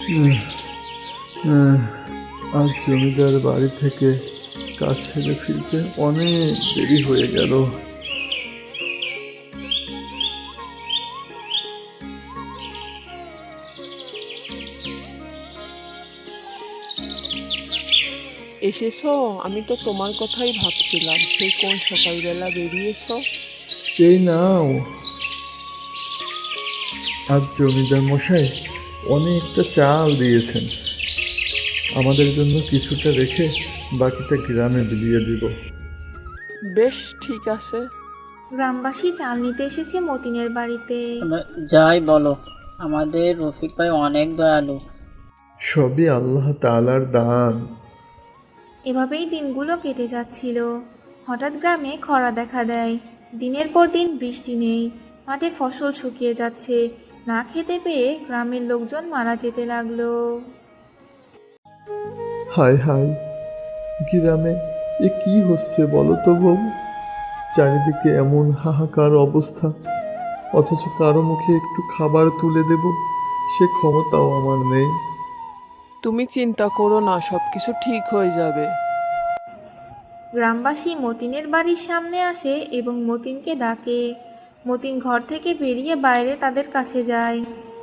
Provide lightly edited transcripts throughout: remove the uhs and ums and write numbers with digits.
উম, আহ, আজ জমিদার বাড়ি থেকে কাজ সেরে ফিরতে অনেক দেরি হয়ে গেল। এসেছো? আমি তো তোমার কথাই ভাবছিলাম, সেই কোন সকালবেলা বেরিয়েছো। এই নাও, আজ জমিদার মশাই অনেকটা চাল দিয়েছেন। আমাদের জন্য কিছুটা রেখে বাকিটা গ্রামে বিলিয়ে দিব। বেশ, ঠিক আছে। গ্রামবাসী চাল নিতে এসেছে মতিনের বাড়িতে। যাই বলো, আমাদের রফিক ভাই অনেক দয়ালু। সবই আল্লাহ তাআলার দান। এভাবেই দিনগুলো কেটে যাচ্ছিল। হঠাৎ গ্রামে খরা দেখা দেয়। দিনের পর দিন বৃষ্টি নেই, মাঠে ফসল শুকিয়ে যাচ্ছে। না খেতে পেয়ে গ্রামের লোকজন মারা যেতে লাগলো। হায় হায়, গ্রামে এ কি হচ্ছে বলো তো বউ? চারিদিকে এমন হাহাকার অবস্থা, অথচ কারো মুখে একটু খাবার তুলে দেব সে ক্ষমতাও আমার নেই। তুমি চিন্তা করো না, সবকিছু ঠিক হয়ে যাবে। গ্রামবাসী মতিনের বাড়ির সামনে আসে এবং মতিনকে ডাকে। মতিন ঘর থেকে বেরিয়ে বাইরে তাদের কাছে যায়।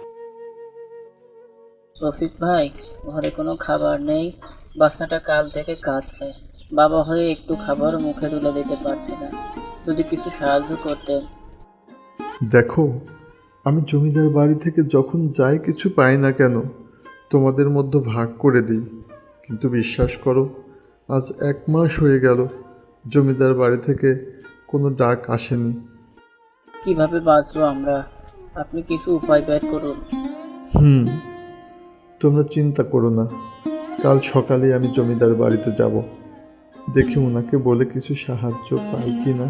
রফিক ভাই, ঘরে কোনো খাবার নেই। বাচ্চাটা কাল থেকে কাঁদছে। বাবা হয়ে একটু খাবার মুখে তুলে দিতে পারছি না। যদি কিছু সাহায্য করতেন। দেখো, আমি জমিদার বাড়ি থেকে যখন যাই কিছু পাই না কেন তোমাদের মধ্যে ভাগ করে দিই, কিন্তু বিশ্বাস করো, আজ 1 মাস হয়ে গেল জমিদার বাড়ি থেকে কোনো ডাক আসেনি। কিভাবে বাঁচবো আমরা? আপনি কিছু উপায় বের করুন। তোমরা চিন্তা করো না, কাল সকালে আমি জমিদার বাড়িতে যাব, দেখি ওনাকে বলে কিছু সাহায্য পাই কি না।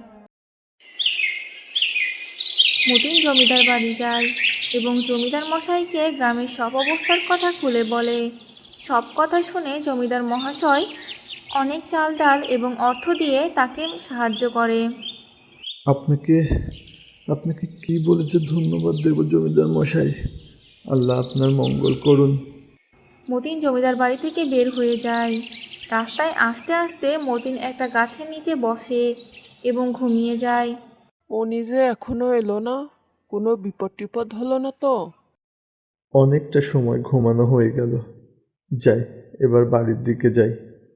মতিন জমিদার বাড়ি যায় এবং জমিদার মশাইকে গ্রামের সব অবস্থার কথা খুলে বলে। সব কথা শুনে জমিদার মহাশয় অনেক চাল ডাল এবং অর্থ দিয়ে তাকে সাহায্য করে। আপনাকে আপনাকে কি বলে যে ধন্যবাদ দেব জমিদার মশাই। আল্লাহ আপনার মঙ্গল করুন। মতিন জমিদার বাড়ি থেকে বের হয়ে যায়। রাস্তায় আসতে আসতে মতিন একটা গাছের নিচে বসে এবং ঘুমিয়ে যায়। ও নিজে এখনো এলো না? কোনো বিপদ টিপদ হলো না তো? অনেকটা সময় ঘুমানো হয়ে গেল, যাই এবার বাড়ির দিকে যাই।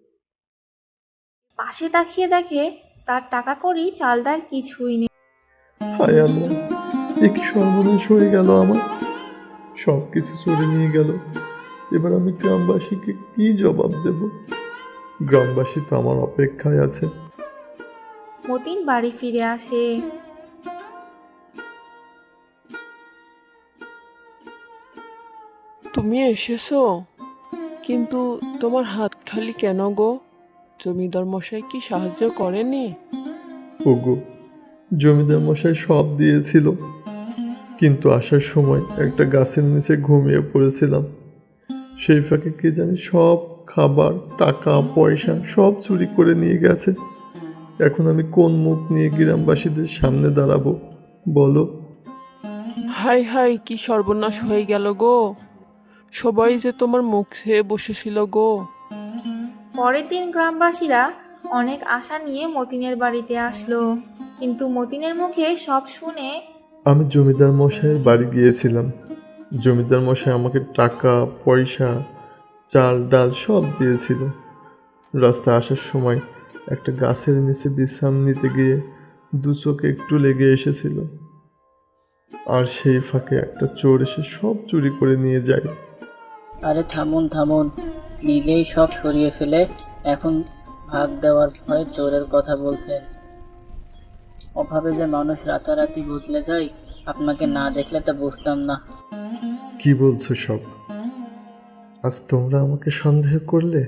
পাশে তাকিয়ে দেখে তার টাকা কড়ি চাল ডাল কিছুই নেই। হায় আল্লাহ, এ কি সর্বনাশ হয়ে গেল আমার! সব কিছু চুরি নিয়ে গেল। এবার আমি গ্রামবাসীকে কি জবাব দেব? গ্রামবাসী তো আমার অপেক্ষায় আছে। মতিন বাড়ি ফিরে আসে। তুমি এসেছো, কিন্তু তোমার হাত খালি কেন গো? জমিদার মশাই কি সাহায্য করেনি? ওগো, জমিদার মশাই সব দিয়েছিল, কিন্তু আসার সময় একটা গাছের নিচে ঘুমিয়ে পড়েছিলাম। সেই ফাঁকে কে জানি সব খাবার, টাকা পয়সা সব চুরি করে নিয়ে গেছে। এখন আমি কোন মুখ নিয়ে গ্রামবাসীদের সামনে দাঁড়াবো বলো? হাই হাই, কি সর্বনাশ হয়ে গেল গো! সবাই যে তোমার মুখ চেয়ে বসেছিল গো। পরের দিন গ্রামবাসীরা অনেক আশা নিয়ে মতিনের বাড়িতে আসলো, কিন্তু মতিনের মুখে সব শুনে আমি জমিদার মশাইয়ের বাড়ি গিয়েছিলাম। জমিদার মশাই আমাকে টাকা পয়সা, চাল ডাল সব দিয়েছিল। রাস্তায় আসার সময় একটা গাছের নিচে বিশ্রাম নিতে গিয়ে দু চোখে একটু লেগে এসেছিল, আর সেই ফাঁকে একটা চোর এসে সব চুরি করে নিয়ে যায়। আরে থামুন থামুন, নিলেই সব সরিয়ে ফেলে এখন ভাগ দেওয়ার ভয়ে চোরের কথা বলছেন। অভাবে যে মানুষ রাতারাতি বদলে যায়, আপনাকে না দেখলে তা বুঝতাম না। কি বলছো সব? আজ তোমরা আমাকে সন্দেহ করলে?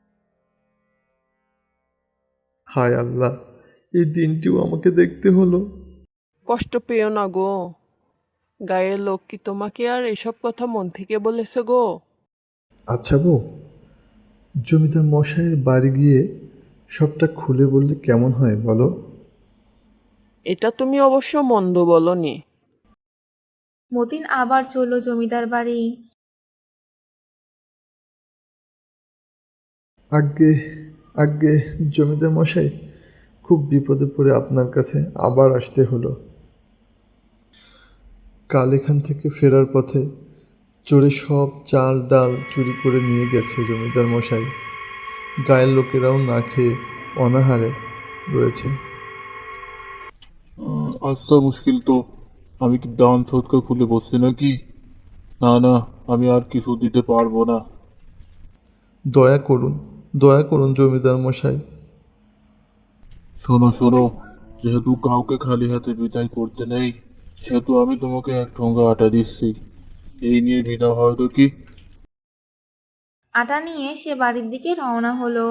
হায় আল্লাহ, এই দিনটিও আমাকে দেখতে হলো। কষ্ট পেও না গো। গায়ের লোক কি তোমাকে আর এসব কথা মন থেকে বলেছে গো? আচ্ছা বউ, জমিদার মশাইয়ের বাড়ি গিয়ে সবটা খুলে বললে কেমন হয় বলো? এটা তুমি অবশ্য মন্দ বলনি। মতিন আবার চলল জমিদার বাড়ি। আগে আগে জমিদার মশাই, খুব বিপদে পড়ে আপনার কাছে আবার আসতে হলো। কাল এখান থেকে ফেরার পথে চোরে সব চাল ডাল চুরি করে নিয়ে গেছে জমিদার মশাই। গায়ের লোকেরাও না খেয়ে অনাহারে রয়েছে। আচ্ছা, মুশকিল তো। আমি কি দান সৎকা খুলে বসছি নাকি? না না, আমি আর কিছু দিতে পারবো না। দয়া করুন জমিদার মশাই। শোনো শোনো, যেহেতু কাউকে খালি হাতে বিদায় করতে নেই, সেহেতু আমি তোমাকে 1 ঠোঙ্গা আটা দিচ্ছি। এই নিয়ে বিদা হয় তো কি? আটা নিয়ে সে বাড়ির দিকে রওনা হলো।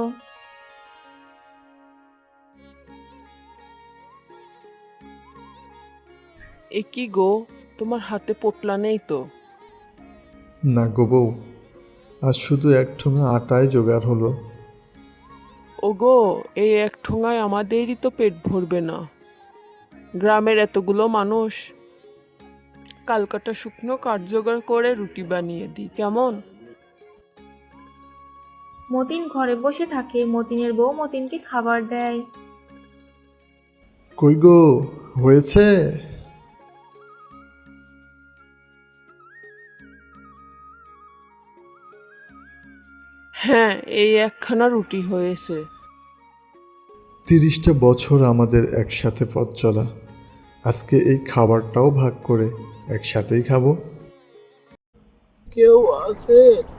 এ কি গো, তোমার হাতে পোটলা নেই তো? না গো বউ, আজ শুধু 1 ঠোঙা আটায় জোগাড় হলো। ওগো, এই এক ঠোঙায় আমাদেরই তো পেট ভরবে না। গ্রামের এতগুলো মানুষ, কালকাটা শুকনো কাঠ জোগাড় করে রুটি বানিয়ে দিই, কেমন? মতিন ঘরে বসে থাকে। মতিনের বউ মতিনকে খাবার দেয়। কই গো, হয়েছে? হ্যাঁ, এই একখানা রুটি হয়েছে। 30টা বছর আমাদের একসাথে পথ চলা, আজকে এই খাবারটাও ভাগ করে একসাথেই খাবো। কেউ আছে?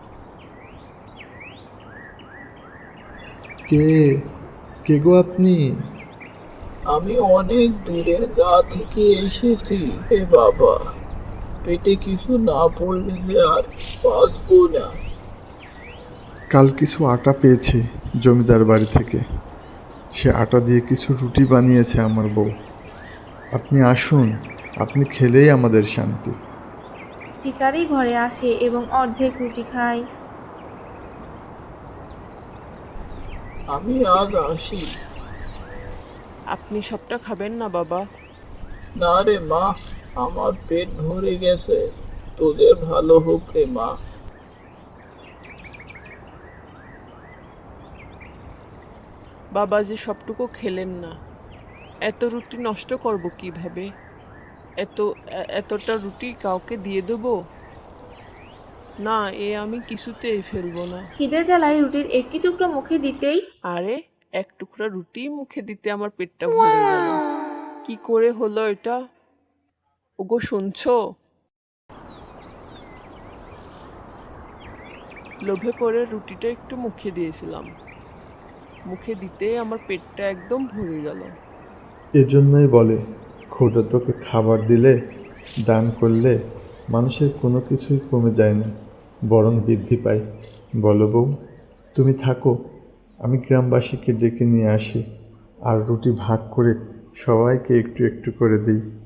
কে কে গো আপনি? আমি অনেক দূরের গা থেকে এসেছি। এ বাবা, পেটে কিছু না পড়লে যে আর বাঁচবো না। কাল কিছু আটা পেয়েছি জমিদার বাড়ি থেকে, সে আটা দিয়ে কিছু রুটি বানিয়েছে আমার বউ। আপনি আসুন, আপনি খেলেই আমাদের শান্তি। ভিখারি ঘরে আসে এবং অর্ধেক রুটি খায়। আমি আজ আসি। আপনি সবটা খাবেন না বাবা? না রে মা, আমার পেট ভরে গেছে। তোদের ভালো হোক রে মা। বাবা যে সবটুকু খেলেন না, এত রুটি নষ্ট করব কিভাবে? এতটা রুটি কাউকে দিয়ে দেবো না, এ আমি কিছুতেই ফেলবো না। খিদে জ্বালায় রুটির একটি টুকরো মুখে দিতেই আরে, এক টুকরা রুটি মুখে দিতে আমার পেটটা ভরে গেল। কি করে হলো এটা? ওগো, শুনছো? লোভে পড়ে রুটিটা একটু মুখে দিয়েছিলাম, মুখে দিতেই আমার পেটটা একদম ভরে গেল। এজন্যই বলে, খোদা তোকে খাবার দিলে, দান করলে মানুষের কোনো কিছুই কমে যায় না, বরং বৃদ্ধি পায়। বলো বউ, তুমি থাকো, আমি গ্রামবাসীকে ডেকে নিয়ে আসি আর রুটি ভাগ করে সবাইকে একটু একটু করে দিই।